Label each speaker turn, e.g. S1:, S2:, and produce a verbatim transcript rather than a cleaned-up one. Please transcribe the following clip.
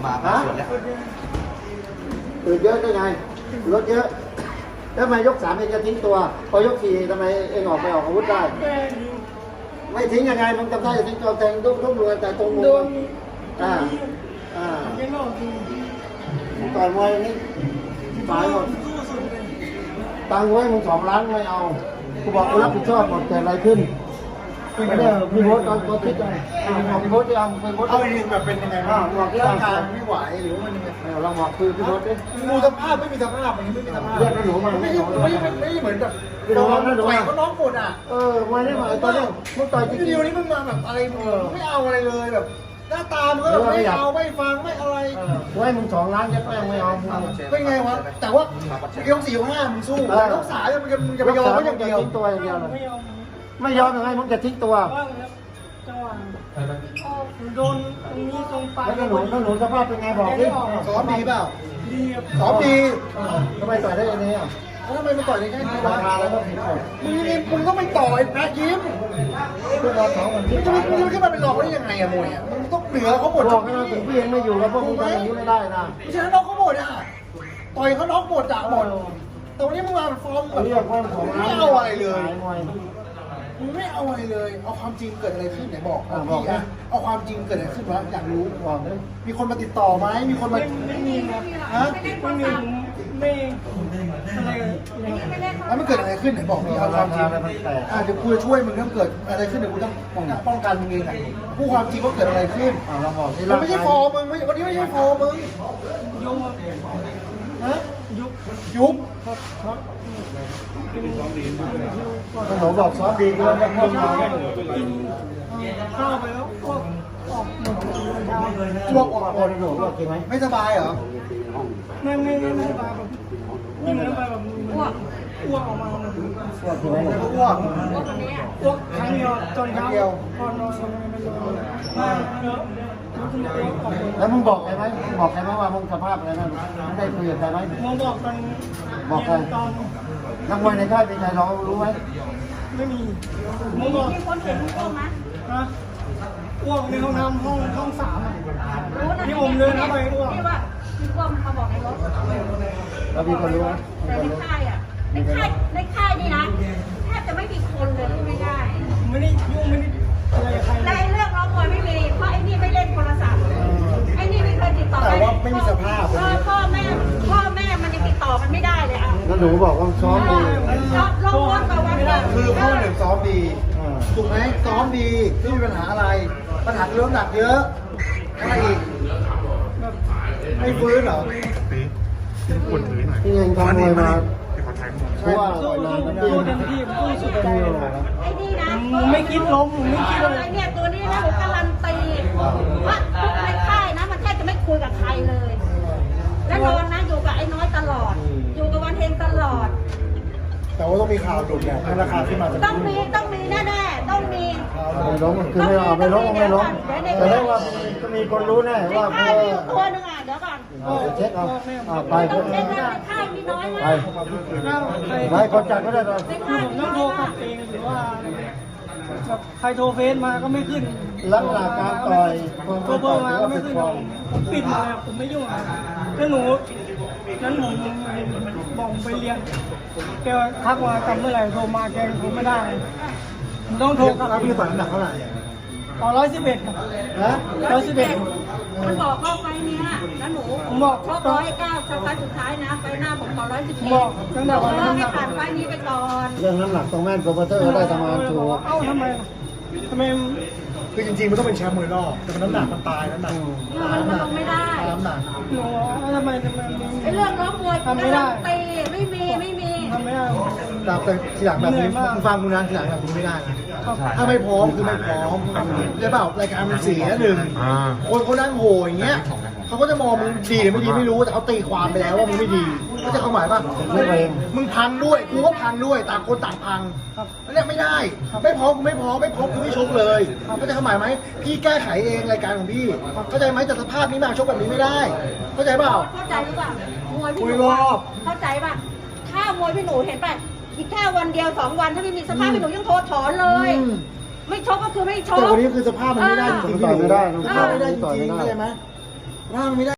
S1: มาสวนแล้ว
S2: ตื่นเยอะได้ไงรถเยอะแล้วทำไมยกสามเองจะทิ้งตัวพอยกสี่ทำไมเองออกไปออกอาวุธได้ไม่ทิ้งยังไงมึงจำได้จะทิ้งตัวแทงทุกทุกรวยแต่ตรงมืออ่าอ่าต่อยมวยนี่ตายหมดตังค์ไว้มึงสองล้านไม่เอากูบอกกูรับผิดชอบหมดแต่อะไรขึ้นไม่ได้พี่โพสตอนตัวคิดเลยบอกพี่โพสที่เอาพี่โพสเอาจริงแบบเป็นยังไงบ้างบอกร่างกายไม่ไหวหรือว่ามันยังไงเราบอกคือพี่โพสดิมูสภาพไม่มีสภาพอย่างนี้ไม่มีสภาพเรียกหนูมาไม่ไม่ไม่เหมือนแบบเราต่อยเขาน้องหมดอ่ะเออมาได้มาตอนนี้มึงต่อยจริงๆวันนี้มึงมาแบบอะไรไม่เอาอะไรเลยแบบหน้าตามึงก็ไม่เอาไม่ฟังไม่อะไรไว้มึงสองล้านยัดแม่งไม่เอาเป็นไงวะแต่ว่ายกสี่ยกห้ามึงสู้ยกสามมึงจะมึงจะไปยอมไม่อย่างเดียวทิ้งตัวอย่างเดียวเลยไม่ยอมยังไงมึงจะทิ้งตัว
S3: จังหวะโดนตรงนี้ตรงปลาย
S2: แล้วหนูแล้วหนูสภาพเป็นไงบอกดิซ้อมดีเปล่า
S3: ดี
S2: ซ้อมดีทำไมต่อยได้ยังไงอ่ะทำไมมาต่อยในแค่นี้ราคาแล้วก็ผิดมึงนี่มึงต้องไปต่อยแพ้ยิ้มมึงจะมึงจะขึ้นมาเป็นรองได้ยังไงอะมวยมึงต้องเหนือเขาหมดบอกให้เราถึงพี่เองไม่อยู่แล้วพวกมึงทำอย่างนี้ไม่ได้นะไม่ใช่น้องเขาหมดอ่ะต่อยเขาน้องหมดจ่าหมดแต่วันนี้มึงมาฟอร์มแบบไม่เอาอะไรเลยมึงไม่เอาอะไรเลยเอาความจริงเกิดอะไรขึ้นไหนบอกบอกนะเอาความจริงเกิดอะไรขึ้นวะอยากรู้บอกเลยมีคนมาติดต่อไหมมีคนมา
S3: ไม่มีครับฮะไม่มีไม่อะไร
S2: แล้วมันเกิดอะไรขึ้นไหนบอกมีเอาความจริงอ่าเดี๋ยวกูจะช่วยมึงถ้าเกิดอะไรขึ้นเดี๋ยวกูต้องป้องกันมึงเองพูดความจริงว่าเกิดอะไรขึ้นเราบอกที่เราไม่ใช่ฟอร์มึงไม่วันนี้ไม่ใช่ฟอร์มึง
S3: ยุบ
S2: ฮะ
S3: ยุบ
S2: ยุบหนูบอกซ้อมดีด้วยนะพ่อมา
S3: เข้าไปแล้วพวกออกหมด
S2: ช่วงออกคนหนูบอกจริงไหมไม่สบายเหรอ
S3: ไม่ไม่ไม่ไม่สบายแบบนี่มันไปแบบอ้วกอ้วกออกมา
S2: อ้วกจริงไหมอ้วก
S3: อ้วกครั้งเดียวจนเช้าพอนอนไม่นอนมาเยอะ
S2: แล้วมึงบอกใครไหมบอกใครไหมว่ามึงสภาพอะไรนะมึงได้คุยกับใครไหม
S3: มึงบอกตอน
S2: บอกใครนักมวยในค่ายเป็นใครเรารู้ไหม
S3: ไม่มีมึงบอก
S4: มีคนเห็นมึงอ้วกไหม
S3: ฮะอ้วกในห้องน้ำห้องห้องสามนี่ผมเดินเข้าไปอ้วก
S4: ที่ว่าที่อ้วกเขาบอกในรถ
S2: แล้วมีคนรู้ไหม
S4: แต่ในค่ายอ่ะในค่ายในค่ายนี่นะแทบจะไม่มีคนเลยที่ไม่ได้
S3: ไม่ได้ยุ่งไม่ได้อะไรใคร
S4: ในเรื่องร้องมวยไม่มีเพราะไอ้นี่ไม่เล่นโทรศัพท์ไอ้นี่ไม่เคยติดต่อ
S2: แต่ว่าไม่มีสภาพ
S4: พ่อแม่พ่อแม่มันยังติดต่อมันไม่ได้เลยอ่ะ
S2: แล้วหนูบอกว่าซ้อมดี
S4: ลงรถกับวันนี้
S2: คือข้อหนึ่งซ้อมดีถูกไหมซ้อมดีไม่มีปัญหาอะไรปัญหาเรื่องหนักเยอะอะไรอีกไม่ฟื้นเหรอที่เองทำมวยมาเพราะว่า
S3: สู้สู้เต็มที่สู้สุดใจ
S4: ไอ้นี่นะ
S3: ไม่คิดล้มไม่คิดอะไร
S4: เนี่ยตัวนี้นะผมการันตีว่าทุกในค่ายนะมันแทบจะไม่คุยกับใครเลยและนอนนะอยู่กับไอ้น้อยตลอดอยู่กับวันเฮงตลอด
S2: แต่ว่าต้องมีข่าวดุเนี่ยให้ราคาขึ้นมา
S4: ต้องมีต้องมีแน่ๆต้องมี
S2: ไม่ล้มคือไม่เอาไม่ล้มไม่ล้มแต่ได้ว่าจะมีคนรู้แน่ว่า
S4: ค่ายมีอยู่ตัวนึงอ่ะเดี๋ยวก่อน
S2: เช็คเอาไป
S4: ต้องเช็คนะในค่ายมีน้อยมาก
S2: ไปไปคนจัดก็ได้เลย
S3: ผมต้องโทรกลับเองหรือว่าแบบใครโทรเฟซมาก็ไม่ขึ้น
S2: ลักษณะการต่อย
S3: โทรเบอร์มาก็ไม่ขึ้นผมปิดมาเลยผมไม่ยุ่งแล้วหนูนั้นผมบอกไปเรียนแกทักมากำเมื่อไหร่โทรมาแกผมไม่ได้ผมต้องโทรกลับ
S2: พี่ฝันหนักเท่าไหร่
S3: ต่อร้อยสิบเอ็ด
S2: นะ
S3: ร้อยสิบเอ็ด
S4: มันบอกเข้าไปเนี้ยแล้วหนู
S3: ผมบอก
S4: ชกร้อยเก้าสไฟสุดท้ายนะไปหน้าผมขอร้อยสิบเอ็ด
S3: บอกตั้งแต่วันนั้น
S4: ให้ผ่านไฟนี้ไปก่อน
S2: เรื่องน้ำหนักตรงแม่นโปรโมเตอร์ได้ประมาณถูก
S3: เอ้าทำไมทำไม
S2: คือจริงๆมันต้องเป็นแชมป์มวยรอบแต่น้ำหนักมันตายน้ำหนัก
S4: มันลงไม่ได้
S2: น้ำหนัก
S3: หนูทำไมทำไม
S4: ไอ้เรื่องร้องมวย
S3: ทำไม่ได้
S4: ตีไม่มีไม่มี
S3: ทำไม่ได้
S2: แต่ทีหลังแบบนี้ฟังกูนะทีหลังแบบนี้ไม่ได้นะถ้าไม่พร้อมคือไม่พร้อมใช่เปล่ารายการมันเสียหนึ่งคนเขานั่งโหอย่างเงี้ยเขาก็จะมองมึงดีหรือไม่ดีไม่รู้แต่เขาตีความไปแล้วว่ามึงไม่ดีก็จะเข้าหมายป่ะไม่เองมึงพังด้วยกูก็พังด้วยต่างคนต่างพังเรียกไม่ได้ไม่พร้อมกูไม่พร้อมไม่พร้อมกูไม่ชกเลยก็จะเข้าหมายไหมพี่แก้ไขเองรายการของพี่เข้าใจไหมแต่สภาพนี้มาชกแบบนี้ไม่ได้เข้าใจเปล่า
S4: เข้าใจหรือเปล่ามวยพี่หนูเข้าใจป่ะถ้ามวยพี่หนูเห็นป่ะอีกแค่วันเดียวสองวันถ้าไม่มีสภาพพี่หนูยังโทรถอนเลยไม่ชกก็คือไม่ชก
S2: แต่วันนี้คือสภาพมันไม่ได้จริงๆต่อยไม่ได้ต่อยไม่ได้จริงๆเข้าใจไหมสภาพมันไม่ได้